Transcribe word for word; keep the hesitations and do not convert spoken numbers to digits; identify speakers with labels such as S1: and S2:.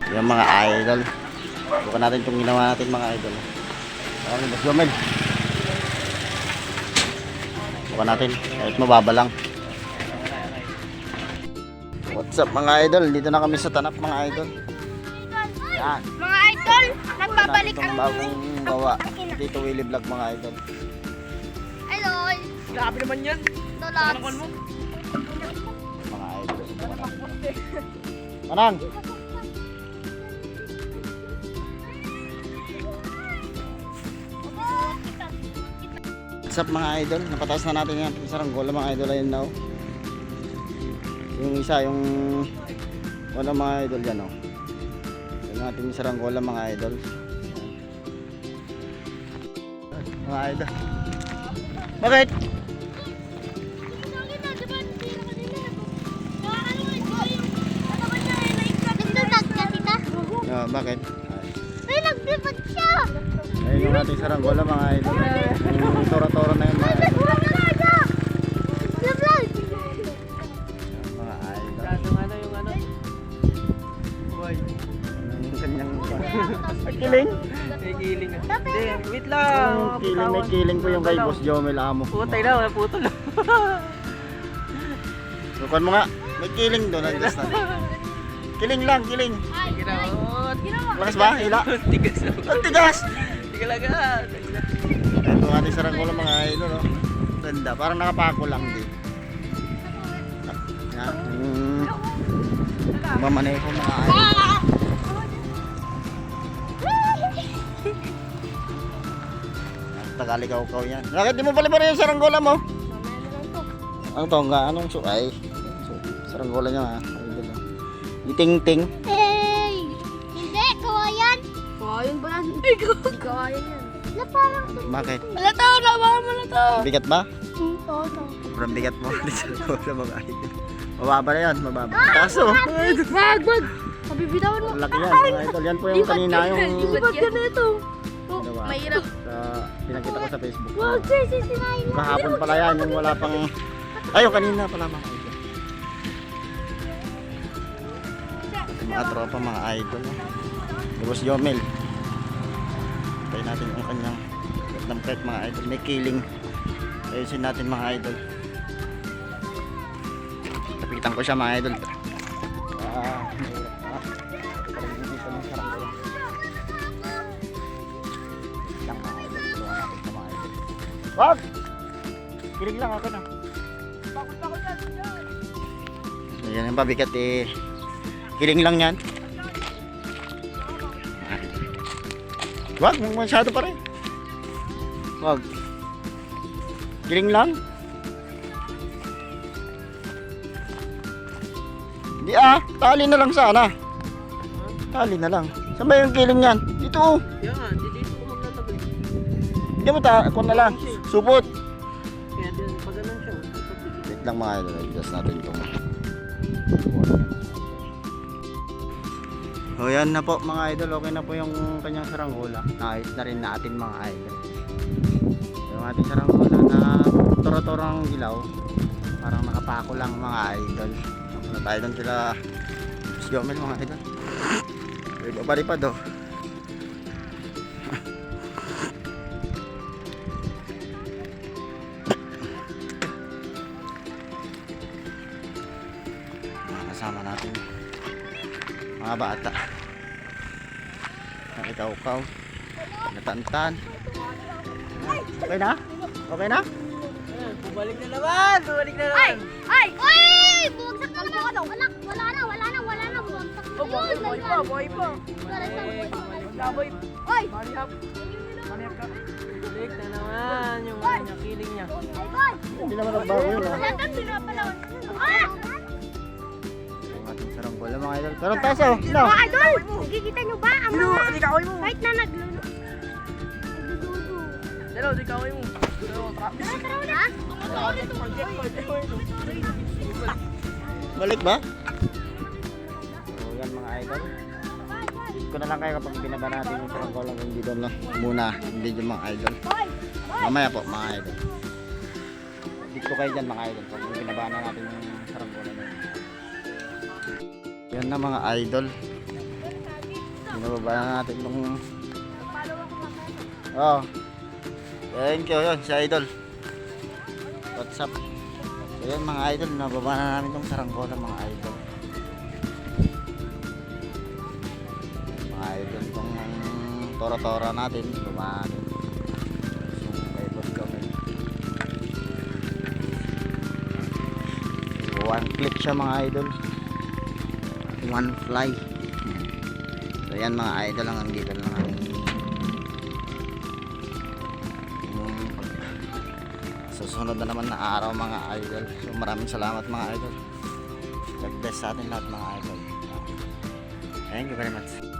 S1: Yung mga idol. Bukan natin itong ginawa natin mga idol. Ano ba Jomel? Bukan natin kahit mababa lang. What's up mga idol? Dito na kami sa Tanap mga idol. Yan.
S2: Mga idol, nagbabalik
S1: ang
S2: ang
S1: bagong gawa dito Willy Vlog mga idol.
S2: Hello.
S3: Grabe naman yan.
S2: Dolat.
S3: mo?
S1: Mga idol. Manang. What's up mga idol? Napataas na natin yan. Saranggola mga idol ayun now. Yung isa yung wala mga idol yan oh. Yung ating saranggola mga idol. Mga idol. Bakit? Ah, bakit?
S2: Ay, naglipad siya.
S1: Ayun yung ating saranggola mga idol. Yung tora-tora na yun mga idol. Mga idol.
S3: Yung ano, yung ano. Boy.
S1: Yung kanyang kiling.
S3: May kiling. Hindi, wait lang.
S1: Yung kiling, may kiling po yung kay Boss Jomel Amo.
S3: Putay na, may puto lang.
S1: Sukan mo nga. May kiling doon. Adjust natin. Kiling lang, kiling.
S3: Ginaot.
S1: Lakas ba? Hila?
S3: Tigas.
S1: Ang tigas!
S3: Tiga lang ah.
S1: Ito ating saranggola mga idol. Oh. Ganda. Parang nakapako lang din. Yan. Mm. Mamaneho mga idol. Tagalikaw-kaw yan. Bakit di mo pala pa rin yung saranggola mo? Ang tongga, anong su... Ay, su- saranggola niya ha. Idol, oh. Iting-ting.
S2: Hey! Hindi, kawayan.
S3: Kawayan ba yan? Hindi kawayan yan.
S2: Na parang...
S1: Bakit?
S3: Wala to, labahan mo na to.
S1: Bigat ba?
S2: Oo, no.
S1: Sobrang bigat mo. Di saranggola mga idol. Mababa na yan, mababa. Kaso,
S2: Wag, wag. Pabibitawan mo.
S1: ang laki yan mga idol. Yan po yung kanina yung...
S2: Lipat ka na ito.
S1: Diba?
S3: Mahirap.
S1: Sa, pinakita ko sa Facebook.
S2: Wag, sir, sisirain mo.
S1: Kahapon pala yan, yung wala pang... Ay, yung kanina pala mga idol. Mga tropa, mga idol. Boss Jomel. Tayo natin yung kanyang Vietnam crack mga idol. May killing. Ayusin natin mga idol. Tapitan ko siya mga idol. Ah, mahirap pa. Parang hindi pa ng saranggola. Lang mga idol. Tulungan natin sa mga idol. Wag! Kilig lang ako na. Ayan yung pabigat eh. Kiling lang yan. Wag, masyado pa rin. Wag. Kiling lang. Di ah, tali na lang sana. Tali na lang. Saan ba yung kiling yan? Dito oh.
S3: Yan, dito ko maglalagay.
S1: Hindi mo ta, ako na lang. Supot.
S3: Kaya din, pag ganun siya.
S1: Wait lang mga idol, adjust natin itong. O yan na po mga idol, okay na po yung kanyang saranggola. Naayos na rin natin mga idol. Yung ating saranggola na toro-torong gilaw. Parang nakapako lang mga idol. Wala tayo doon sila Jomel mga idol. Ibabaripad oh. Kasama natin mga bata, nakikaw-kaw, natantan. Okay na? Okay na?
S3: Bumalik na naman! Bumalik na naman!
S2: Ay! Ay! Bumagsak na naman. Anak, wala na, wala na, wala na. Bumagsak na
S3: Oh, boy, boy pa, boy pa!
S2: Wala na, boy.
S3: Wala, boy!
S2: Ay!
S3: Manihap! Manihap ka! Balik na naman yung ano niya, kiling niya.
S2: Ay, boy!
S1: Hindi naman nagbago yun ah.
S2: Wala kang pinapalawan. Ah!
S1: Ang ating saranggola mga idol. Pero taas oh. No.
S2: Mga idol! Nakikita nyo ba ang
S3: Dilo,
S2: mga
S3: di kaway mo!
S2: kahit na naglulu... Nagdududu.
S3: Dilo, di kaway mo! Dilo, trap!
S2: Ha?
S1: Balik ba? So yan mga idol. Hit ko na lang kayo kapag binaba natin yung saranggola kung hindi doon lang muna yung video mga idol. Mamaya po mga idol. Hit ko kayo dyan mga idol pag binaba na natin yung saranggola na yun. Yan na mga idol. Binababa na natin itong... Oh. Thank you, yun, si Idol. What's up? So yun mga idol, nababa na namin itong saranggola mga idol. Mga idol, itong tora-tora natin, baba natin. So, may boss kami. One click siya mga idol. One fly. So yan mga idol, lang dito lang namin susunod na naman na araw mga idol. So maraming salamat mga idol. God bless sa atin lahat mga idol. Thank you very much.